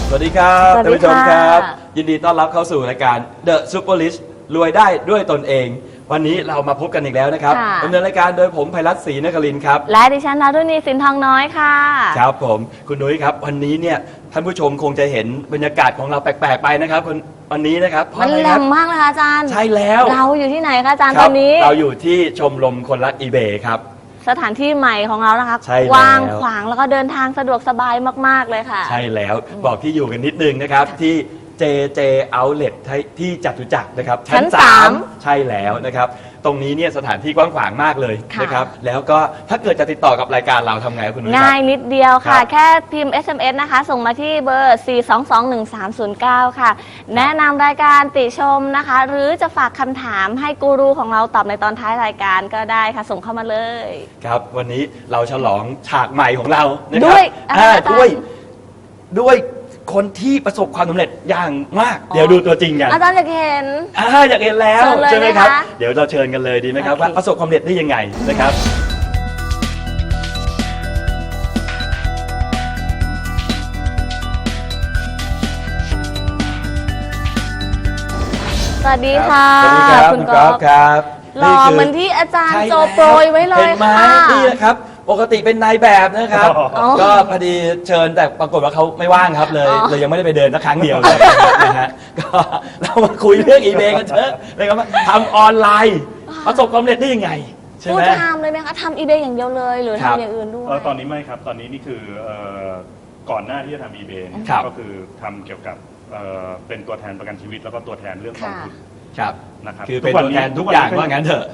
สวัสดีครับท่านผู้ชมครับยินดีต้อนรับเข้าสู่รายการ The Superlist รวยได้ด้วยตนเอง วันนี้เรามาพบกันอีกแล้วนะครับดำเนินรายการโดยผมไพรัตน์ ศรีนครินทร์ครับและดิฉันนรุณี สินทองน้อยค่ะครับผมคุณนุ้ยครับวันนี้เนี่ยท่านผู้ชมคงจะเห็นบรรยากาศของเราแปลกๆไปนะครับวันนี้นะครับมันแหลมมากเลยค่ะอาจารย์ใช่แล้วเราอยู่ที่ไหนคะอาจารย์ตอนนี้เราอยู่ที่ชมรมคนรัก eBay ครับสถานที่ใหม่ของเรานะคะกว้างขวางแล้วก็เดินทางสะดวกสบายมากๆเลยค่ะใช่แล้วบอกที่อยู่กันนิดนึงนะครับที่ JJ Outlet ที่จตุจักรนะครับชั้น 3ใช่แล้วนะครับตรงนี้เนี่ยสถานที่กว้างขวางมากเลยนะครับแล้วก็ถ้าเกิดจะติดต่อกับรายการเราทำไงคุณนุ้ยง่ายนิดเดียวค่ะแค่พิมพ์ SMS นะคะส่งมาที่เบอร์ 4221309 ค่ะแนะนำรายการติชมนะคะหรือจะฝากคำถามให้กูรูของเราตอบในตอนท้ายรายการก็ได้ค่ะส่งเข้ามาเลยครับวันนี้เราฉลองฉากใหม่ของเรานะครับด้วยคนที่ประสบความสำเร็จอย่างมากเดี๋ยวดูตัวจริงกันอาจารย์อยากเห็นอยากเห็นแล้วใช่ไหมครับเดี๋ยวเราเชิญกันเลยดีไหมครับว่าประสบความสำเร็จได้ยังไงนะครับสวัสดีค่ะสวัสดีครับคุณก๊อฟครับหล่อเหมือนที่อาจารย์โจโปรยไว้เลยค่ะนี่นะครับปกติเป็นนายแบบนะครับก็พอดีเชิญแต่ปรากฏว่าเขาไม่ว่างครับเลยยังไม่ได้ไปเดินสักครั้งเดียวเลยนะฮะก็เรามาคุยเรื่อง eBay กันเถอะเลยครับว่าทำออนไลน์ประสบความสำเร็จได้ยังไงใช่ไหมทำเลยไหมคะทำ eBay อย่างเดียวเลยหรือทำอย่างอื่นด้วยตอนนี้ไม่ครับตอนนี้นี่คือก่อนหน้าที่จะทำ eBay ก็คือทำเกี่ยวกับเป็นตัวแทนประกันชีวิตแล้วก็ตัวแทนเรื่องกองทุนครับนะครับคือเป็นตัวแทนทุกอย่างว่างั้นเถอะ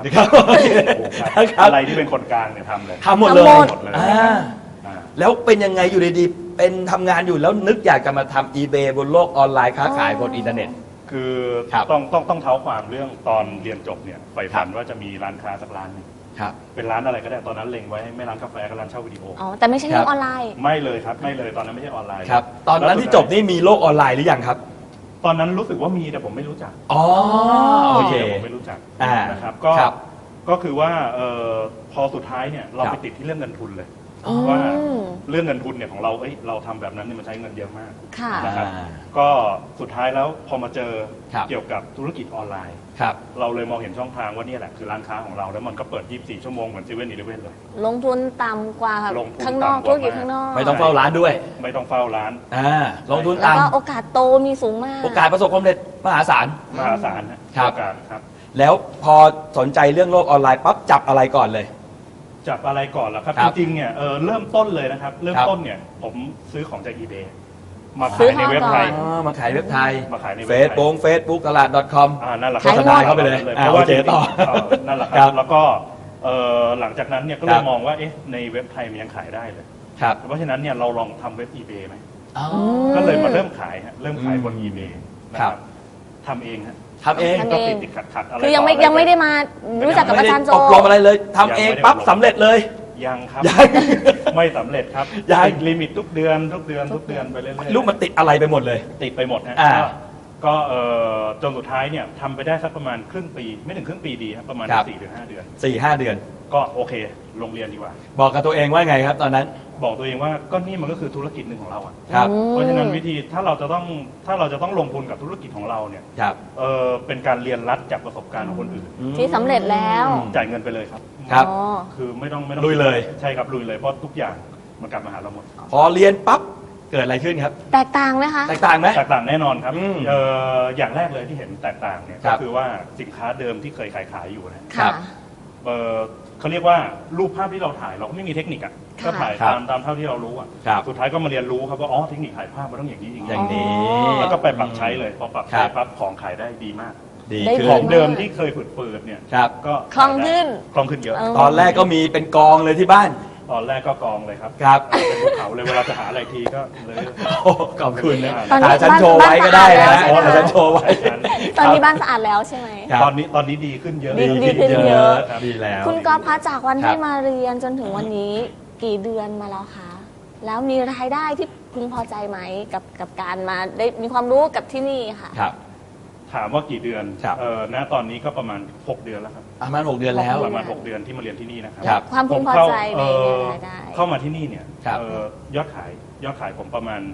อะไรที่เป็นคนกลางเนี่ยทำเลยทำหมดเลยแล้วเป็นยังไงอยู่ดีๆเป็นทำงานอยู่แล้วนึกอยากจะมาทำ eBay บนโลกออนไลน์ค้าขายบนอินเทอร์เน็ตคือต้องเท้าความเรื่องตอนเรียนจบเนี่ยใฝ่ฝันว่าจะมีร้านค้าสักร้านนึงเป็นร้านอะไรก็ได้ตอนนั้นเล็งไว้ไม่ร้านกาแฟก็ร้านเช่าวิดีโอแต่ไม่ใช่เรื่องออนไลน์ไม่เลยครับไม่เลยตอนนั้นไม่ใช่ออนไลน์ครับตอนนั้นที่จบนี่มีโลกออนไลน์หรือยังครับตอนนั้นรู้สึกว่ามีแต่ผมไม่รู้จักโอเคผมไม่รู้จักนะครับก็คือว่าพอสุดท้ายเนี่ยเราไปติดที่เรื่องเงินทุนเลยว่าเรื่องเงินทุนเนี่ยของเราเราทำแบบนั้นเนี่ยมันใช้เงินเยอะมากนะครับก็สุดท้ายแล้วพอมาเจอเกี่ยวกับธุรกิจออนไลน์เราเลยมองเห็นช่องทางว่านี่แหละคือร้านค้าของเราแล้วมันก็เปิด24 ชั่วโมงเหมือน7-11เลยลงทุนต่ำกว่าข้างนอกธุรกิจข้างนอกไม่ต้องเฝ้าร้านด้วยไม่ต้องเฝ้าร้านลงทุนต่ำแล้วก็โอกาสโตมีสูงมากโอกาสประสบความสำเร็จมหาศาลโอกาสครับแล้วพอสนใจเรื่องโลกออนไลน์ปั๊บจับอะไรก่อนเลยจับอะไรก่อนล่ะครับจริงๆเนี่ยเริ่มต้นเลยนะครับเริ่มต้นเนี่ยผมซื้อของจาก eBay มาขายในเว็บไทยมาขายเว็บไทยมาขายในเฟซบุ๊กตลาด .com นั่นแหละโฆษณาเข้าไปเลยเพราะว่าต่อนั่นแหละครับแล้วก็หลังจากนั้นเนี่ยก็เลยมองว่าในเว็บไทยมันยังขายได้เลยเพราะฉะนั้นเนี่ยเราลองทำเว็บ eBay ไหมก็เลยมาเริ่มขายบน eBay นะครับทำเองทำเองก็ติดขัดอะไรคือยังไม่ได้มารู้จักกับอาจารย์โจอบรมอะไรเลยทำเองปั๊บสำเร็จเลยยังครับไม่สำเร็จครับติดลิมิตทุกเดือนไปเรื่อยๆลูกมันติดอะไรไปหมดเลยติดไปหมดนะก็จนสุดท้ายเนี่ยทำไปได้สักประมาณครึ่งปีไม่ถึงครึ่งปีดีครับประมาณ4-5 เดือน 4-5 เดือนก็โอเคลงเรียนดีกว่าบอกกับตัวเองว่าไงครับตอนนั้นบอกตัวเองว่าก็นี่มันก็คือธุรกิจหนึ่งของเราอ่ะเพราะฉะนั้นวิธีถ้าเราจะต้องลงทุนกับธุรกิจของเราเนี่ยเป็นการเรียนรัดจากประสบการณ์ของคนอื่นที่สำเร็จแล้วจ่ายเงินไปเลยครับคือไม่ต้องลุยเลยใช่ครับลุยเลยเพราะทุกอย่างมันกลับมาหาเราหมดพอเรียนปั๊บเกิดอะไรขึ้นครับแตกต่างไหมคะแตกต่างไหมแตกต่างแน่นอนครับอย่างแรกเลยที่เห็นแตกต่างเนี่ยก็คือว่าสินค้าเดิมที่เคยขายอยู่นะครับเขาเรียกว่ารูปภาพที่เราถ่ายเราก็ไม่มีเทคนิคอ่ะก็ถ่ายตามเท่าที่เรารู้อ่ะสุดท้ายก็มาเรียนรู้ครับว่าเทคนิคถ่ายภาพมันต้องอย่างนี้อย่างนี้แล้วก็ไปปรับใช้เลยพอปรับใช้ปั๊บของขายได้ดีมากของเดิมที่เคยฝืดๆเนี่ยก็คล่องขึ้นเยอะตอนแรกก็มีเป็นกองเลยที่บ้านตอนแรกก็กองเลยครับเป็นภูเขาเลยเวลาจะหาอะไรทีก็เลยขอบคุณนะหาฉันโชว์ไว้ก็ได้นะหาฉันโชว์ไว้ตอนนี้บ้านสะอาดแล้วใช่ไหมตอนนี้ดีขึ้นเยอะดีขึ้นเยอะดีแล้วคุณก๊อฟคะจากวันที่มาเรียนจนถึงวันนี้กี่เดือนมาแล้วคะแล้วมีรายได้ที่พึงพอใจไหมกับการมาได้มีความรู้กับที่นี่ค่ะถามว่ากี่เดือนณตอนนี้ก็ประมาณ6 เดือนแล้วครับประมาณ6 เดือนแล้วประมาณ6 เดือนที่มาเรียนที่นี่นะครับความพึงพอใจในรายได้เข้ามาที่นี่เนี่ยยอดขายผมประมาณ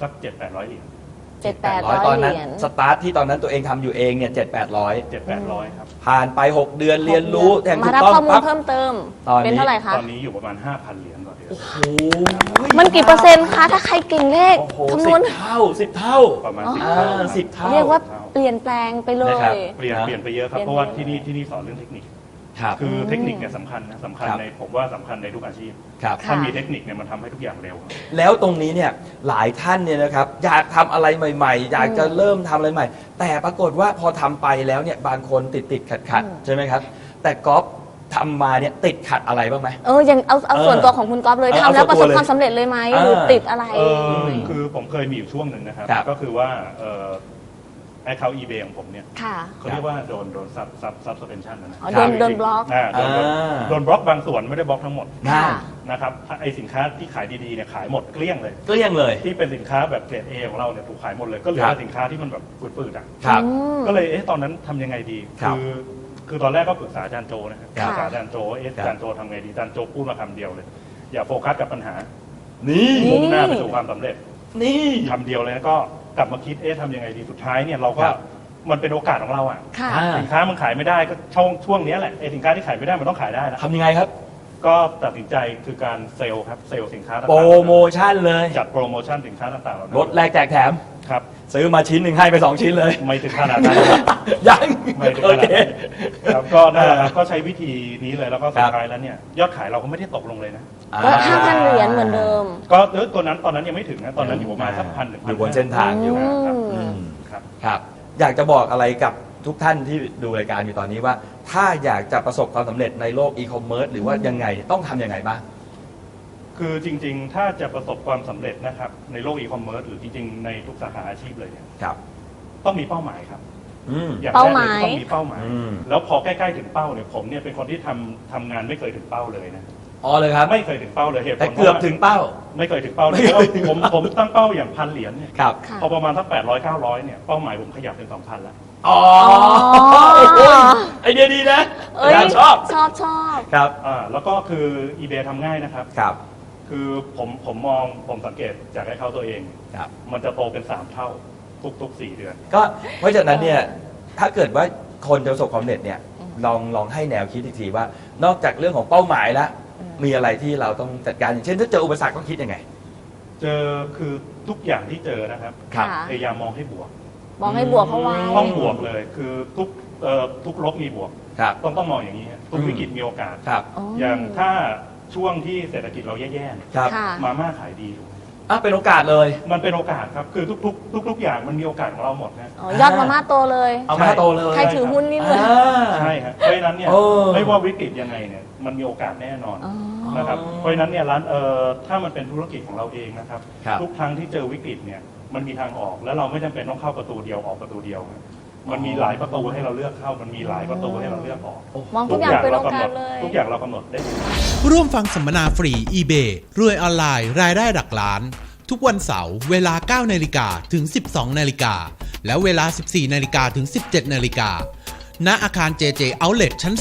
สัก 700-800 เหรียญ 700-800 ตอนนั้นเหรียญสตาร์ทที่ตอนนั้นตัวเองทำอยู่เองเนี่ย700-800 700-800 ครับผ่านไป 6 เดือนเรียนรู้แทงมาถูกรับต้องข้อมูลปั๊บเพิ่มเติมตอนนี้เป็นเท่าไหร่คะตอนนี้อยู่ประมาณ 5,000 เหรียญต่อเดือนโอ้โหมันกี่เปอร์เซ็นต์คะ ถ้าใครเก่งเลขโอ้โหคำนสิวณบเท่า10 เท่าประมาณอ๋อ 10 เท่า 10 เท่าเรียกว่าเปลี่ยนแปลงไปเลนะครับยเปลี่ยนไปเยอะครับเปลี่ยนเพราะว่าไปที่นี่สอนเรื่องเทคนิคครับคือเทคนิคเนี่ยสำคัญนะสำคัญครับในผมว่าสำคัญในทุกอาชีพครับค่ะถ้ามีเทคนิคเนี่ยมันทำให้ทุกอย่างเร็วครับแล้วตรงนี้เนี่ยหลายท่านเนี่ยนะครับอยากทำอะไรใหม่ๆ อยากจะเริ่มทำอะไรใหม่ แต่ปรากฏว่าพอทำไปแล้วเนี่ยบางคนติดขัดใช่ไหมครับ แต่ก๊อฟทำมาเนี่ยติดขัดอะไรบ้างไหมอย่างเอาเออส่วนตัวของคุณก๊อฟเลยเอาทำแล้วส่ปวนระตัวเลยสบความสำเร็จเลยไหมเออหรือติดอะไรคือผมเคยมีอยู่ช่วงหนึ่งนะครับครับก็คือว่าแอคเคาท์ eBay ของผมเนี่ยค่ะเขาเรียกว่าโดนซับสเปนชั่นนะอ๋อโดนบล็อกโดนบล็อกบางส่วนไม่ได้บล็อกทั้งหมดได้ค่ะนะครับไอสินค้าที่ขายดีๆเนี่ยขายหมดเกลี้ยงเลยเกลี้ยงเลยที่เป็นสินค้าแบบเกรด A ของเราเนี่ยถูกขายหมดเลย ก็เหลือครับแต่สินค้าที่มันแบบปืดๆอ่ะครับอืมก็เลยตอนนั้นทำยังไงดีครับคือตอนแรกก็ปรึกษาอาจารย์โจนะครับครับปรึกษาอาจารย์โจว่าอาจารย์โจทำไงดีอาจารย์โจพูดมาคำเดียวเลย อย่าโฟกัสกับปัญหานี่มุ่งหน้าไปสู่ความสำเร็จนี่คำเดียวเลยแล้วก็กลับมาคิดทำยังไงดีสุดท้ายเนี่ยเราก็ครับมันเป็นโอกาสของเราอ่ะค่ะอ่าสินค้ามันขายไม่ได้ก็ช่วงนี้แหละไอ้สินค้าที่ขายไม่ได้มันต้องขายได้นะทำยังไงครับก็ตัดสินใจคือการเซลล์ครับเซลล์สินค้าต่างๆโปรโมชั่นเลยจัดโปรโมชั่นสินค้าต่างๆเหล่านั้นลดแลกแจกแถมครับซื้อมาชิ้นหนึ่งให้ไป 2 ชิ้นเลยไม่ถึงขนาดนั้นครับยังไม่ถึงโอขนาดเคนั้นครับก็นั่นแหละครับก็ใช้วิธีนี้เลยแล้วก็สุครัดบท้ายแล้วเนี่ยยอดขายเราก็ไม่ได้ตกลงเลยนะก็5,000 เหรียญเหมือนเดิมก็ตอนนั้นยังไม่ถึงนะตอนนั้นอยู่ประมาณสัก1,000 อยู่บนเส้นทางอยู่ครับอืมครับครับ อยากจะบอกอะไรกับทุกท่านที่ดูรายการอยู่ตอนนี้ว่า ถ้าอยากจะประสบความสำเร็จในโลกอีคอมเมิร์ซหรือว่ายังไงต้องทำยังไงบ้างคือจริงๆ ถ้าจะประสบความสำเร็จนะครับในโลกอีคอมเมิร์ซหรือจริงๆ ในทุกสาขาอาชีพเลยเนี่ยครับต้องมีเป้าหมายครับอืมอย่างเป้าแรกหเลมายยต้องมีเป้าหมายอืมแล้วพอใกล้ๆถึงเป้าเนี่ยผมเนี่ยเป็นคนที่ทำงานไม่เคยถึงเป้าเลยนะอ๋อเลยครับไม่เคยถึงเป้าเลยเหตุผลแต่เกือบถึงเป้าไม่เคยถึงเป้าเลยไม่เคยถึงผมตั้งเป้าอย่าง1,000 เหรียญเนี่ยครับค่ะพอประมาณสัก800-900เนี่ยเป้าหมายผมขยับเป็น 2,000 แล้วอ๋ออ๋อโอ้ยไอเดียดีนะเอ้ยอาจารย์ชอบชอบครับแล้วก็คือ eBay ทำง่ายนะครับครับคือผมสังเกตจากให้เขาตัวเองครับมันจะโตเป็น3 เท่าทุก 4 เดือนก็เพราะฉะนั้นเนี่ยถ้าเกิดว่าคนจะประสบความสำเร็จเนี่ยลองให้แนวคิดอีกทีว่า นอกจากเรื่องของเป้าหมายแล้ว มีอะไรที่เราต้องจัดการอย่างเช่นถ้าเจออุปสรรคต้องคิดยังไงเจอคือทุกอย่างที่เจอนะครับค่ะพยายามมองให้บวกมองให้บวกเข้าไว้ต้องบวกเลยคือทุกลบมีบวกครับต้องมองอย่างนี้ฮะทุกวิกฤตมีโอกาสครับอย่างถ้าช่วงที่เศรษฐกิจเราแย่ๆเนี่ยครับค่ะมาม่าขายดีถูกไหมอ่ะเป็นโอกาสเลยมันเป็นโอกาสครับคือทุกอย่างมันมีโอกาสของเราหมดนะอ๋อยอดมาม่าโตเลยเอามาโตเลยใครถือหุ้นนี่เลยอ่าใช่ครับเพราะฉะนั้นเนี่ยโอ้ไม่ว่าวิกฤตยังไงเนี่ยมันมีโอกาสแน่นอนอ๋อนะครับเพราะฉะนั้นเนี่ยถ้ามันเป็นธุรกิจของเราเองนะครับครับทุกครั้งที่เจอวิกฤตเนี่ยมันมีทางออกแล้วเราไม่จำเป็นต้องเข้าประตูเดียวออกประตูเดียวครับมันมีหลายประตูให้เราเลือกเข้า มันมีหลายประตูให้เราเลือกออกมองทุกอย่างเป็นโอกาสเลยทุกอย่างเรากำหนดได้ร่วมฟังสัมมนาฟรี eBay รวยออนไลน์รายได้หลักล้าน ทุกวันเสาร์เวลา 9 นาฬิกาถึง 12 นาฬิกา และเวลา 14 นาฬิกาถึง 17 นาฬิกา ณ อาคาร JJ Outlet ชั้น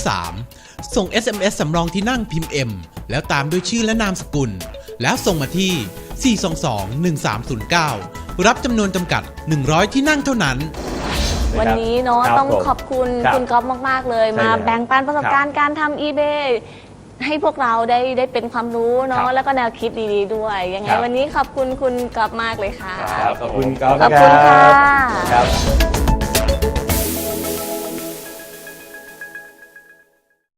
3 ส่ง SMS สำรองที่นั่งพิมพ์ M แล้วตามด้วยชื่อและนามสกุล แล้วส่งมาที่ 422-1309 รับจำนวนจำกัด 100 ที่นั่งเท่านั้นวันนี้เนาะครับต้องผมขอบคุณครับคุณก๊อฟมาก ๆ เลยใช่มาแล้วแบ่งปันประสบการณ์การทำ eBay ให้พวกเราได้เป็นความรู้ครัเนาะบแล้วก็แนวคิดดีๆด้วย ยังไงครับวันนี้ขอบคุณคุณก๊อฟมากเลยค่ะครับขอบคุณก๊อฟขอบคุณรัค่ะครับ